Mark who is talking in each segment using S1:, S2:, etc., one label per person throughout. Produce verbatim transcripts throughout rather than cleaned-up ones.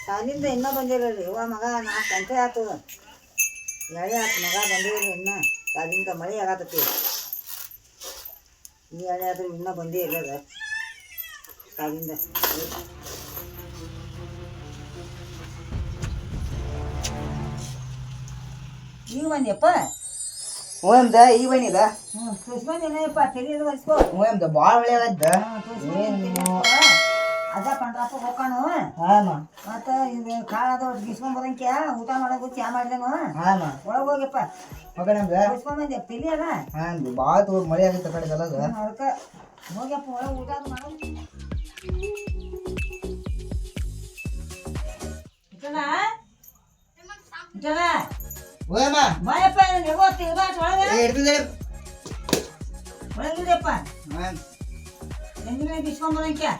S1: ಶಾಲಿಂದ ಇನ್ನೂ ಬಂದಿರಲ್ರಿ ಇವ ಮಗ ನಾಲ್ಕು ಗಂಟೆ ಆಯ್ತು ಎಳೆ ಆಯ್ತು ಮಗ ಬಂದಿರಲಿ ಇನ್ನೂ ಶಾಲಿಂದ ಮಳೆ ಆಗತ್ತತಿ ಈ ಎಳೆ ಆದ್ರೂ ಇನ್ನೂ ಬಂದೇ ಇಲ್ಲದ ಶಾಲಿಂದ ಈಗ ಬಂದ್ಯಪ್ಪ
S2: ಓಮ್ದ ಈಗ ಬನ್ನಿದ
S1: ಹ್ಞೂ ತುಸ್ಕೊಂಡೇನಪ್ಪ ತೆಗೆದು ಒರೆಸ್ಕೋ
S2: ಓಮ್ದ ಭಾಳ ಒಳ್ಳೆ ಆಗತ್ತ
S1: ಅದ ಪಂಡ್ರಪ್ಪ ಹೋಗೋಣ
S2: ಹಾಂ
S1: ಮತ್ತು ಇದು ಕಾಳದ ಗಿಸ್ಕೊಂಡ್ ಬರಂಕ್ಯ ಊಟ ಮಾಡೋದು ಚಾ ಮಾಡಿದೆನು
S2: ಹಾಂ
S1: ಒಳಗೆ ಹೋಗ್ಯಪ್ಪ
S2: ಓಕೆ ನಮ್ದು
S1: ಗಿಸ್ಕೊಂಬಂದೆ ತೆಲಿ ಅದ
S2: ಹಾಂ ಭಾಳ ತೋ ಮಳೆ ಆಗತ್ತೆ ಕಡೆ ಕಲದ
S1: ಅದಕ್ಕೆ ಹೋಗ್ಯಪ್ಪ ಒಳಗೆ ಊಟ ಅದು ಮಾಡು ಜನ ಜನ
S2: ಓಯಮ್ಮ
S1: ಬಾಯಪ್ಪ ನೆಗೋ ತಿರ್ಗಾಟ ಒಳಗೆ
S2: ಇಡ್ತಿದ್ದೆ
S1: ಒಳಗಿದೆಯಪ್ಪ
S2: ಹಾಂ
S1: ಹೆಂಗಿನ ಗಿಸ್ಕೊಂಡ್ ಬರಂಕ್ಯ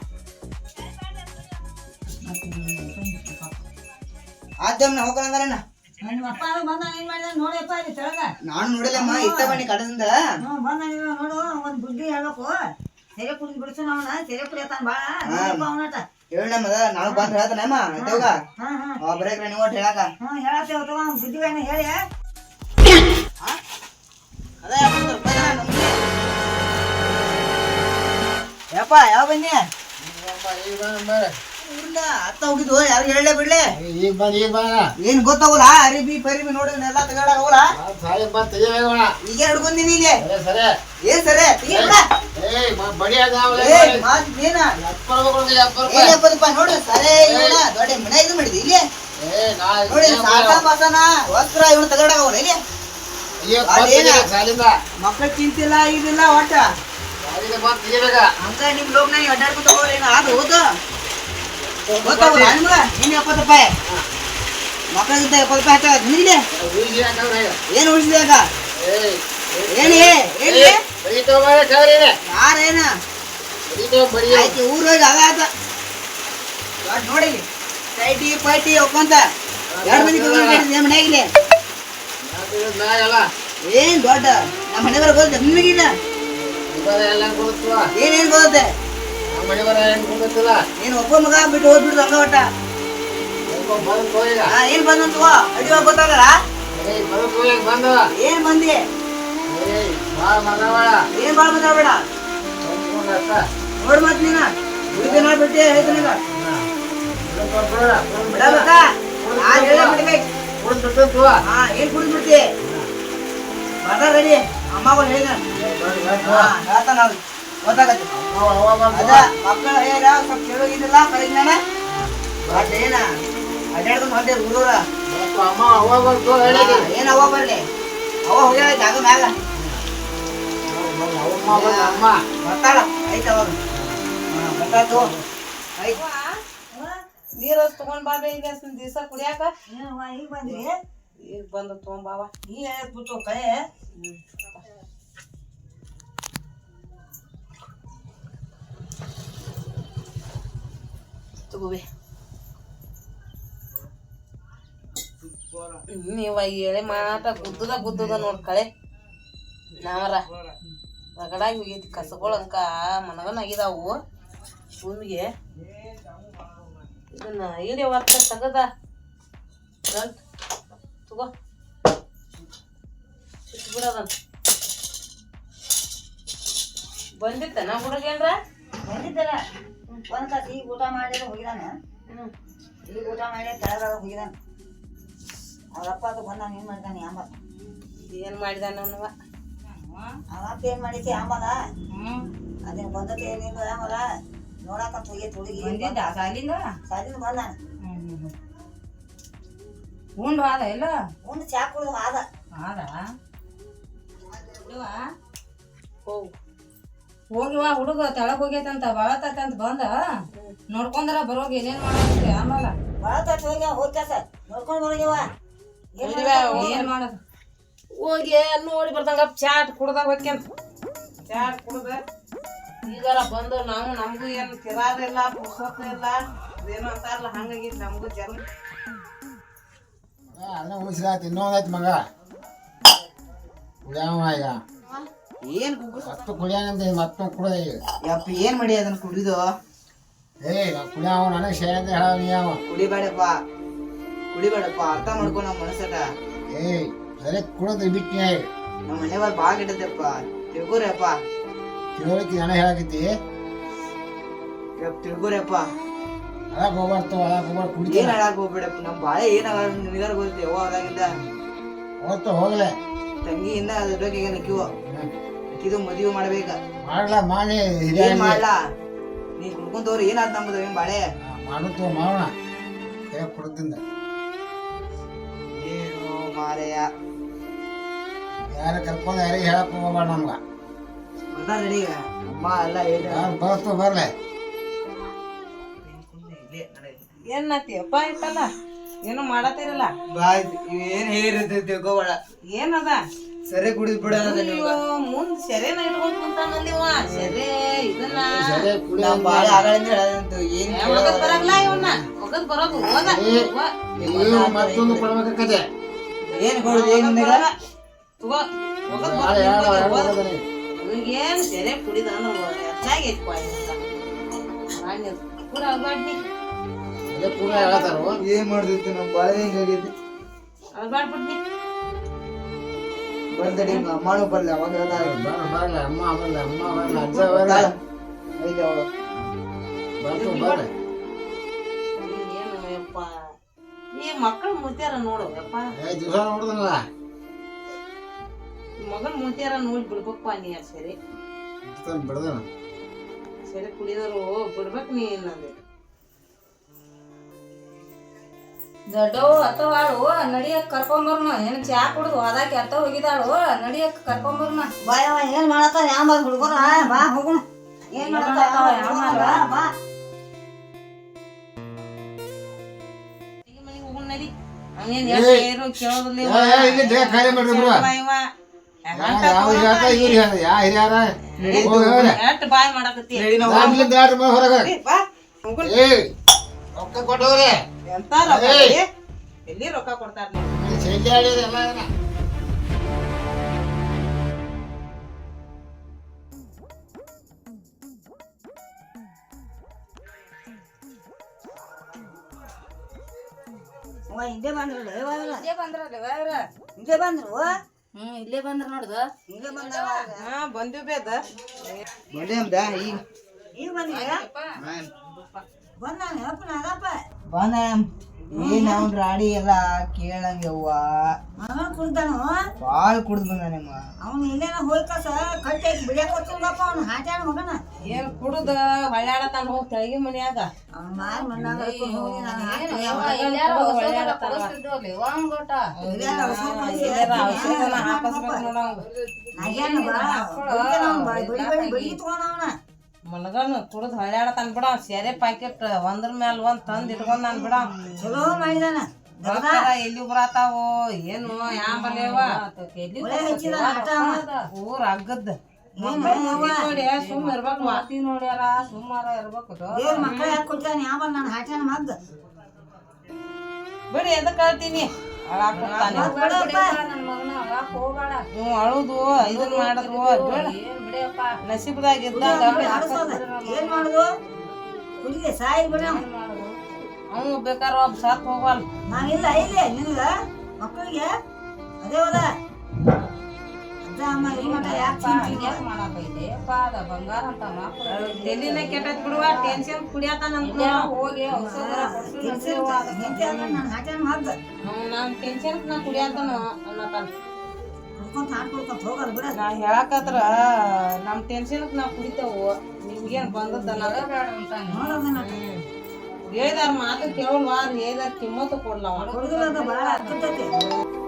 S2: ಆದ್ದಮ್ಮ ಹೋಗೋಣ ಅಂದ್ರಣ್ಣ
S1: ನಿಮ್ಮ ಅಪ್ಪ ಬಂದ ಏನ್ ಮಾಡಿದ ನೋಡಪ್ಪ ಇಲ್ಲಿ ತೆಳಗ
S2: ನಾನು ನೋಡಿಲ್ಲಮ್ಮ ಇತ್ತ ಬನ್ನಿ ಕಡದಿಂದ
S1: ಹ್ಞೂ ಬಂದ ನೀವು ನೋಡು ಒಂದು ಬುದ್ಧಿ ಹೇಳ್ಬೇಕು ಸೆರೆ ಕುಡಿದು ಬಿಡಿಸು ಅವನ ಸೆರೆ ಕುಡಿಯತಾನ ಭಾಳ ಅವನಟ
S2: ಹೇಳಮ್ಮದ ನಾನು ಬಂದು ಹೇಳ್ತಾನಮ್ಮ ಆಯ್ತವಾಗ
S1: ಹಾಂ ಹಾಂ
S2: ಅವ ಬರೇಕ್ರ ನೀವು ಒಟ್ಟು ಹೇಳಕ
S1: ಹ್ಞೂ ಹೇಳತ್ತೇವ ತಗೋ ಅವ್ನ ಬುದ್ಧಿಗಳನ್ನ ಹೇಳಿ
S2: ಅದ ಯಪ್ಪ ಯಾವ ಬನ್ನಿ ಅತ್ತ ಹೋಗಿದ್ವು ಯಾರು ಹೇಳಲೇ ಬಿಡ್ಲೆ
S3: ಈಗ ಬಂದ್ ಈಗ ಬಂದ
S2: ಏನ್ ಗೊತ್ತಾಗೋಲ್ಲ ಅರಿಬಿ ಪರಿಬಿ ನೋಡಿ ಎಲ್ಲ ತಗೊಂಡಾಗ ಹೋಗಲ್ಲ
S3: ಸಾಲಿ ಬಂದ್ ತೆಗಿಯೋಣ
S2: ಈಗ ಹಿಡ್ಕೊಂದಿನಿ ಇಲ್ಲಿ
S3: ಸರಿ
S2: ಏನ್ ಸರಿ ತೆಗಿಯಲ್ಲ
S3: ಏಯ್ ಬಡಿ ಅದಾವಲೆ
S2: ಏ ಮಾತ್ ಏನ
S3: ಎಪ್ಪತ್ತು ರೂಪಾಯಿ ಎಪ್ಪತ್ತು
S2: ಏ
S3: ರೂಪಾಯಿ
S2: ಎಪ್ಪತ್ತು ರೂಪಾಯಿ ನೋಡು ಸರಿ ಇವನ ದೊಡ್ಡ ಮನೆ ಇದು ಮಾಡಿದ್ವಿ ಇಲ್ಲಿ
S3: ಏ ನಾ
S2: ನೋಡಿ ಸಾಕ ಬಾಸನ ವಸ್ತ್ರ ಇವನು ತಗೊಂಡಾಗ ಹೋಗಲ್ಲ ಇಲ್ಲಿ
S3: ಅಯ್ಯೋ ಸಾಲಿಂದ
S2: ಮಕ್ಕಳ ಚಿಂತಿಲ್ಲ ಇದಿಲ್ಲ ಒಟ್ಟ
S3: ಸಾಲಿಂದ ಬಂದ್ ತೆಗಿಬೇಕ
S2: ಹಂಗ ನಿಮ್ ಲೋಕ್ ನಾ ಅಡ್ಡಾಡ್ಕೊತ ಹೋಗ್ರಿ ಅದು ಹೋದು ಗೊತ್ತಾಗಲ್ಲ ನಿಮ್ಗ ನಿನ್ ಎಪ್ಪತ್ತು ರೂಪಾಯಿ ಮಕ್ಕಳಿಗಿಂತ ಎಪ್ಪತ್ತು ರೂಪಾಯಿ ಹಾಕ ನಿನ್ನೆ ಏನ್ ಉಳಿಸಿದೆ ಅಕ್ಕ
S3: ಏಯ್
S2: ಏನ್ ಏನ್
S3: ಬಡಿ ತಗೊಂಬ ಕವರಿ
S2: ಯಾರೇನ
S3: ಬಡಿ ತಗೊಂಡ್ ಬಡಿ
S2: ಆಯ್ತು ಊರ್ ಹೋಗಿ ಆಗ ಆತ ದೊಡ್ಡ ನೋಡಿ ಸೈಟಿ ಪೈಟಿ ಹೋಗ್ಕೊಂತ ಎರಡು ಮಂದಿ ನಿಮ್ಮ ಮನೆಯಾಗಿಲ್ಲ
S3: ನಾ ಎಲ್ಲ
S2: ಏನ್ ದೊಡ್ಡ ನಮ್ಮ ಮನೆ ಬರ ಗೊತ್ತ ನಿಮಗಿಲ್ಲ
S3: ಎಲ್ಲ ಕೊಡುತ್ತವ
S2: ಏನೇನ್ ಗೊತ್ತೆ
S3: ನಮ್ಮ ಮನೆ ಬರ ಏನ್ ಕೊಡುತ್ತಿಲ್ಲ
S2: ನೀನ್ ಒಬ್ಬ ಮಗ ಬಿಟ್ಟು ಹೋಗ್ಬಿಡ್ದು ಹಂಗ ಒಟ್ಟ
S3: ಬಂದ್ ಹೋಗ
S2: ಹಾ ಏನ್ ಬಂದಂತ ಅಡಿವಾಗ ಗೊತ್ತಾಗಲ್ಲ
S3: ಏಯ್ ಬಂದ್ ಹೋಗ ಬಂದವ
S2: ಏನ್ ಬಂದಿ
S3: ಏಯ್ ಬಾ ಮಗವ
S2: ಏನ್ ಬಾಳ ಮಾತಾಡ್ಬೇಡ ನೋಡ್ ಮತ್ ನೀನ ಹುಡುಗಿ ನೋಡ್ಬಿಟ್ಟು ಹೇಳ್ತೀನಿ ಬಿಡಬೇಕಾ ನಾನ್ ಹೇಳೇ ಬಿಡ್ಬೇಕು ಹಾ ಏನ್ ಕುಡಿದ್ ಬಿಡ್ತಿ ಬರ್ತಾರ ರೆಡಿ ಅಮ್ಮಗಳು ಹೇಳಿದ ಹೇಳ್ತಾನ ಅವ್ರು ಗೊತ್ತಾಗತ್ತೆ ಅದ ಮಕ್ಕಳು ಹೇಳ ಸ್ವಲ್ಪ ಕೇಳೋಗಿದ್ದಿಲ್ಲ ಕಳಿಜ್ಞಾನ ಬಟ್ ಏನ ಅಡ್ಡಾಡ್ಕೊಂಡು ಹೊಂಟೆ ಊರೂರ ಏನ್ ಅವ ಬರ್ಲಿ ಅವ ಹೋಗ್ಯಾಳ ಜಾಗ ಮ್ಯಾಗ ಬರ್ತಾಳ ಐತ ಅವಾಗ ಬರ್ತಾಯ್ತು ಐತ್
S4: ನೀರು ತಗೊಂಡ್ ಬಾಬೆ ಈಗ ದಿವಸ ಕುಡಿಯಾಕ
S1: ಈಗ ಬಂದ್ರಿ
S4: ಈಗ ಬಂದು ತಗೊಂಬಾವ
S1: ಈ ಹೇಳ್ಬಿಟ್ಟು ಕಳೆ
S4: ತಗೋಬೆ ನೀವ ಎಳೆ ಮಾಟ ಗುದ್ದದ ಗುದ್ದದ ನೋಡ್ ಕಳೆ ನಾವರ ರಗಡಾಗಿ ಹೋಗೈತಿ ಕಸಗಳಂಕ ಮನಗನ ಆಗಿದಾವು ಭೂಮಿಗೆ ಇದನ್ನ ಇಡೀ ಒತ್ತ ತಗದ ತಗೋ ಬಿಡೋದನ್ ಬಂದಿತ್ತ ನಾ ಹುಡುಗೇನ್ರ
S1: ಬಂದಿದ್ದಲ್ಲ ಒಂದ್ ತಾಸು ಈಗ ಊಟ ಮಾಡಿದ್ರೆ ಹೋಗಿದಾನ ಈಗ ಊಟ ಮಾಡಿ ಕೆಳಗ ಹೋಗಿದಾನ ಅವ್ರಪ್ಪ ಅದು ಬಂದಾನ ಏನ್ ಮಾಡಿದಾನೆ ಆಂಬ
S4: ಏನ್ ಮಾಡಿದಾನ ಅವನವ
S1: ಅವಪ್ಪ ಏನ್ ಮಾಡೈತಿ ಆಂಬದ ಅದೇನ್ ಬಂದತೆ ಏನಿಲ್ಲ ಆಂಬದ ನೋಡಾಕಂತ ಹೋಗೈತಿ ಹುಡುಗಿ
S4: ಸಾಲಿಂದ
S1: ಸಾಲಿಂದ ಬಂದಾನ
S4: ಉಂಡು ಆದ ಇಲ್ಲ
S1: ಉಂಡು ಚಾ ಕುಡ್ದು ಆದ
S4: ಆದ ಹೋಗು ಹೋಗಿವ ಹುಡುಗ ತೆಳಗ್ ಹೋಗೈತಂತ ಬಾಳತಂತ ಬಂದ ನೋಡ್ಕೊಂಡ್ರ ಬರೋಗ ಏನೇನ್ ಮಾಡೈತಿ ಆಮೇಲೆ
S1: ಭಾಳ ತಟ್ಟು ಹೋಗ್ಯ ಹೋಗ್ಯಾಸ ನೋಡ್ಕೊಂಡ್ ಬರೋಗ್ಯವ
S4: ಏನ್ ಮಾಡೋದು ಹೋಗಿ ಅಲ್ಲಿ ನೋಡಿ ಬರ್ದಂಗ ಚಾಟ್ ಕುಡ್ದಾಗ ಹೋಗ್ಯಂತ ಚಾಟ್ ಕುಡ್ದ ಈಗಾರ ಬಂದು ನಾವು ನಮಗೂ ಏನು ತಿರಾರಿಲ್ಲ ಪುಸ್ತಕ ಇಲ್ಲ ಏನು ಅಂತಾರಲ್ಲ ಹಂಗಾಗಿತ್ತು ನಮಗೂ ಜನ
S3: ಅದನ್ನ ಉಳಿಸಿದಾಯ್ತು ಇನ್ನೊಂದಾಯ್ತು ಮಗ ಕುಡಿಯವ ಈಗ
S2: ಏನ್
S3: ಮತ್ತು ಕುಡಿಯಾನಂತ ಮತ್ತೊಂದು ಕುಡಿದ ಈಗ
S2: ಯಪ್ಪ ಏನ್ ಮಾಡಿ ಅದನ್ನ ಕುಡಿದು
S3: ಏಯ್ ನಾ ಕುಡಿಯವ ನನಗೆ ಶೇ ಅಂತ ಹೇಳ ನೀ ಅವ
S2: ಕುಡಿಬೇಡಪ್ಪ ಕುಡಿಬೇಡಪ್ಪ ಅರ್ಥ ಮಾಡ್ಕೊ ನಮ್ಮ ಮನಸ್ಸಟ
S3: ಏಯ್ ಸರಿ ಕುಡೋದು ಬಿಟ್ಟಿನ
S2: ನಮ್ಮ ಮನೆಯವ್ರು ಭಾಳ ಕೆಟ್ಟದಪ್ಪ ತಿಳ್ಕೊರಪ್ಪ
S3: ತಿಳುವಳಿಕೆ ನನಗೆ ಹೇಳಕತ್ತಿ
S2: ತಿಳ್ಕೊರಪ್ಪ
S3: ಅದಾಗ ಹೋಗ್ಬಾರ್ದು ಅದಾಗ ಹೋಗ್ಬಾರ್ದು
S2: ಏನ್
S3: ಕುಡಿತೀನಿ
S2: ಹೇಳಕ್ ಹೋಗ್ಬೇಡಪ್ಪ ನಮ್ಮ ಬಾಳೆ ಏನಾಗ ನಿನಗಾರ ಗೊತ್ತಿ ಯವ್ವ ಅದಾಗಿಂದ
S3: ಹೋಗ್ತು ಹೋಗ್ಲೆ
S2: ತಂಗಿಯಿಂದ ಅದ್ರ ಬಗ್ಗೆ ನಕ್ಕಿವ ನಕ್ಕಿದು ಮದುವೆ ಮಾಡ್ಬೇಕ
S3: ಮಾಡ್ಲಾ ಮಾಡಿ ಹಿರಿಯ
S2: ಏನ್ ಮಾಡ್ಲಾ ನೀ ಕುಡ್ಕೊಂತವ್ರು ಏನಾದ್ ನಮ್ಮದು ಏನ್ ಬಾಳೆ
S3: ಮಾಡುತ್ತೋ ಮಾಡೋಣ ಕೈ ಕುಡ್ದಿಂದ
S2: ಏನು ಮಾರೆಯ
S3: ಯಾರ ಕರ್ಕೊಂಡು ಯಾರಿಗೆ ಹೇಳಕ್ ಹೋಗ್ಬೇಡ ನಮ್ಗ
S2: ಬರ್ತಾರ ರೆಡಿ ಈಗ ಅಮ್ಮ ಎಲ್ಲ ಹೇಳ
S3: ಯಾರು ಬರ್ತು ಬರ್ಲೆ
S4: ಏನಾತಿಯಪ್ಪ ಇತ್ತಲ್ಲ ಏನು ಮಾಡತ್ತಿರಲ್ಲ
S2: ಏನ್ ಹೇಳಿರುತ್ತೆ ತಿಳ್ಕೊಬೇಡ
S4: ಏನದ
S2: ಸರಿ ಕುಡಿದ್ ಬಿಡ
S4: ಅಯ್ಯೋ ಮುಂದ್ ಸೆರೆನ ಇಟ್ಕೊಂಡ್ ಕುಂತಾನಲ್ಲಿವ ಸೆರೆ ಇದನ್ನ
S3: ಸರಿ ಕುಡಿ
S2: ನಮ್ ಬಾಳೆ ಆಗಳಿಂದ ಹೇಳದಂತು ಏನ್
S4: ಒಗದ್ ಬರಲ್ಲ ಇವನ್ನ ಒಗದ್ ಬರೋದು ಹೋದ
S3: ನೀವು ಮತ್ತೊಂದು ಕೊಡ್ಬೇಕಾಗತ್ತೆ
S2: ಏನ್ ಕೊಡುದು ಏನ್ ನಿನಗ
S4: ತಗೋ ಒಗದ್
S3: ನಾಳೆ ಯಾರು ಯಾರು
S4: ಬರೋದು
S3: ಹೋಗೋದನಿ
S4: ಇವನಿಗೇನ್ ಸೆರೆ ಕುಡಿದ ಅಂದ್ರೆ ಹೆಚ್ಚಾಗಿ ಐತ್ಪ ಪೂರ ಅಲ್ಬಾಡ್ನಿ
S3: ಅದೇ ಪೂರ ಹೇಳತ್ತಾರು
S2: ಏನ್ ಮಾಡ್ದಿತ್ತು ನಮ್ ಬಾಳೆ ಹಿಂಗಾಗೈತಿ
S4: ಅಲ್ಬಾಡ್ಬಿಡ್ನಿ
S2: ಬರ್ದಡಿ ಅಮ್ಮನೂ ಬರ್ಲಿ ಅವಾಗ ಹೇಳ್ತಾಳೆ.
S3: ಬರ ಬರಲ್ಲ ಅಮ್ಮ ಬರಲ್ಲ ಅಮ್ಮ ಬರಲ್ಲ ಅಜ್ಜ ಬರಲ್ಲ
S2: ಐತೆ ಅವಳು
S3: ಬರ್ತು ಬರ್ರಿ
S4: ಏನು ಯಪ್ಪ ಈ ಮಕ್ಕಳು ಮುತ್ಯಾರ ನೋಡು ಯಪ್ಪ
S3: ಏ ದಿವಸ ನೋಡ್ದನಲ್ಲ
S4: ಮಗನ್ ಮುತ್ಯಾರ ನೋಡಿ ಬಿಡ್ಬೇಕಪ್ಪ ನೀ ಸರಿ
S3: ಬಿಡ್ದನ
S4: ಸರಿ ಕುಡಿಯೋರು ಬಿಡ್ಬೇಕು ನೀ ಏನಂದೆ
S5: ದೊಡ್ಡವು ಅತ್ತವಾಳು ನಡಿಯಕ್ ಕರ್ಕೊಂಬರ್ನ ಏನ್ ಚಾ ಕುಡ್ದು ಹೋದಾಕಿ ಅತ್ತ ಹೋಗಿದಾಳು ನಡಿಯಕ್ ಕರ್ಕೊಂಬರ್ನ
S1: ಬಾಯವ ಏನ್ ಮಾಡತ್ತಾರ ಯಾವ ಹುಡುಗರ ಬಾ ಹೋಗೋಣ ಏನ್ ಮಾಡತ್ತಾರ ಬಾ
S4: ಮನೆಗೆ ಹೋಗೋಣ ನಡಿ ಅವನೇನ್
S3: ಏ,
S4: ಏನು ಕೇಳೋದಿಲ್ಲ ಇವ.
S3: ಏ, ಏ, ಇಲ್ಲಿ ದೇಹ ಖಾಲಿ ಮಾಡ್ರಿ ಬಿಡು.
S4: ಇವ, ಇವ. ಗಂಟ
S3: ಯಾವ ಹಿರಿಯಾರ ಇವ್ರು ಯಾರು ಯಾ ಹಿರಿಯಾರ ಹೋಗಿ ಹೋಗ್ರಿ
S4: ಎಷ್ಟ್ ಬಾಯ್ ಮಾಡಕತ್ತಿ
S2: ನಡಿ ನಾವು
S3: ದಾಟ್ಲಿ ದಾಟ್ರಿ ಬಾ ಹೊರಗೆ
S4: ಏ, ಬಾ ಹೋಗೋಣ.
S3: ಏ ರೊಕ್ಕ ಕೊಟ್ಟು ಹೋಗ್ರಿ
S4: ಎಂತ ರೊಕ್ಕ
S3: ಏಯ್.
S4: ರೀ? ಎಲ್ಲಿ ರೊಕ್ಕ ಕೊಡ್ತಾರ ನೀವು
S3: ಶೈಲಿ ಆಡಿದ್ರೆ ಎಲ್ಲ ಇದನ್ನ.
S1: ಅವ್ವ ಹಿಂದೆ ಬಂದ್ರಲ್ಲ ಇವಾಗೆಲ್ಲ
S5: ಇಲ್ಲೇ ಬಂದ್ರಲ್ಲ ಇವ್ರ
S1: ಹಿಂದೆ ಬಂದ್ರು
S5: ಹ್ಮ್ ಇಲ್ಲೇ ಬಂದ್ರ ನೋಡ್ದು
S1: ಹಿಂದೆ ಬಂದವ
S4: ಹಾ ಬಂದಿವ್ ಬೇದ
S2: ಬಂದೆ ಅಮ್ದ ಈಗ
S1: ಈಗ ಬಂದಿಲ್ಲ ಬಂದಾನ ಅಪ್ಪ ನಾಗಪ್ಪ
S2: ಬಂದ ಏನ್ ಅವ್ನ ರಾಡಿ ಎಲ್ಲ ಕೇಳಂಗವ್ವ
S1: ಮಗ ಕುಡ್ದಾನು
S2: ಬಾಳ್ ಕುಡ್ದು ಬಂದಾನಮ್ಮ
S1: ಅವ್ನು ಇಲ್ಲೇನ ಹೋಯ್ ಕಸ ಕಟ್ಟಿ ಬಿಡಿಯಕ್ ಹೋಗ್ತಿರ್ಗಪ್ಪ ಅವ್ನು ಹಾಟ್ಯಾಡ ಮಗನ
S4: ಏನ್ ಕುಡುದ ಹೊಳ್ಯಾಡತಾನ ಹೋಗ್ ತೆಳಗಿ ಮನ್ಯಾಗ
S1: ಅವ್ನ ಮಾರ್ ಮಣ್ಣಾಗ ಹಾಕ್ಕೊಂಡ್ ಹೋಗಿ ನಾನು ಹಾಕಿ
S5: ಯವ್ವ ಇಲ್ಯಾರ ಹೊಸದರ ಕೊಡಿಸ್ತಿದ್ವಲ್ಲ ಇವಂಗ್ ಗೋಟ
S1: ಇಲ್ಲೆಲ್ಲ ಔಷಧ ಮಾಡಿ
S4: ಇಲ್ಲೆಲ್ಲ ಔಷಧನ ಹಾಕಸ್ಬೇಕು ನೋಡ
S1: ನಾಗೇನ ಬಾ ಹುಡ್ಗನ ಅವ್ನ್ ಬಾ ಬಿಡಿ ಬಿಡಿ ಬಿಡಿ ತಗೊಂಡ ಅವನ
S4: ಮಲಗನು ಕುಡ್ದು ಹೊಳ್ಯಾಡತಾನ ಬಿಡ ಸೆರೆ ಪ್ಯಾಕೆಟ್ ಒಂದ್ರ ಮ್ಯಾಲ ಒಂದ್ ತಂದ್ ಇಟ್ಕೊಂಡ್ ನಾನ್ ಬಿಡ
S1: ಚಲೋ ಮಾಡಿದಾನ
S4: ಬರ್ತಾರ ಎಲ್ಲಿ ಬರತಾವು ಏನು ಯಾಂಬಲೇವ
S1: ಒಳ್ಳೆ ಹಚ್ಚಿದ ಆಟ
S4: ಊರ್ ಅಗ್ಗದ್
S1: ಏನ್ ಮಾಡ್ಯವ್ವ?
S4: ನೋಡಿ ಸುಮ್ ಇರ್ಬೇಕು
S5: ಮಾತಿ ನೋಡ್ಯಾರ ಸುಮಾರ ಇರ್ಬೇಕು
S1: ದೇವ್ರ ಮಕ್ಕಳ ಯಾಕೆ ಕೊಡ್ತಾನೆ ಯಾವ ನಾನು ಹಾಟ್ಯಾನ ಮಗ್ಗ
S4: ಬಿಡಿ ಎದಕ್ ಹೇಳ್ತೀನಿ ಅಳಾಕೊಡ್ತಾನೆ
S5: ನನ್ ಮಗನ ಅಳಾಕ್ ಹೋಗ್ಬೇಡ
S4: ನೀವು ಅಳುದು ಇದನ್ ಮಾಡದು ಬಿಡ
S5: ಏನ್ ಬಿಡಿಯಪ್ಪ
S4: ನಸೀಬ್ದಾಗ ಇದ್ದಾಗ
S1: ಏನ್ ಮಾಡುದು ಕುಡಿದೆ ಸಾಯಿ ಬಿಡ
S4: ಅವ್ನು ಬೇಕಾದ್ರ ಒಬ್ಬ ಸತ್ ಹೋಗಲ್
S1: ನಾನಿಲ್ಲ ಇಲ್ಲೇ ನಿನಗ ಮಕ್ಕಳಿಗೆ ಅದೇ ಹೋದ ಅಜ್ಜ ಅಮ್ಮ ಈ ಮಠ ಯಾಕೆ
S5: ಯಾಕ್ ಮಾಡಕೈತೆ ಪಾದ ಬಂಗಾರ ಅಂತ ಮಕ್ಳು
S4: ತಲಿನ ಕೆಟ್ಟದ್ ಬಿಡುವ ಟೆನ್ಷನ್ ಕುಡಿಯತಾನ ಅಂತ
S5: ಹೋಗಿ ಔಷಧ
S1: ನಾನು ಹಾಟ್ಯಾನ ಮಗ್ಗ
S4: ನಾನ್ ಟೆನ್ಷನ್ ನಾ ಕುಡಿಯತಾನ ಅನ್ನತಾನ
S1: ಕುಡ್ಕೊಂತ ಹಾಡ್ಕೊಡ್ಕೊಂತ ಹೋಗಲ್ಲ ಬಿಡ
S4: ನಾ ಹೇಳಕತ್ರ ನಮ್ ಟೆನ್ಷನ್ ನಾ ಕುಡಿತೇವು ನಿಮ್ಗೇನ್ ಬಂದದ
S5: ಬೇಡ ಅಂತ
S1: ನೋಡೋದನ್ನ
S4: ಹೇಳಿದಾರ ಮಾತು ಕೇಳಲ್ವಾ ಹೇಳಿದಾರ ಕಿಮ್ಮತ್ತು ಕೊಡ್ಲವ
S1: ಹುಡುಗರದ ಬಾಳ ಹತ್ತೈತಿ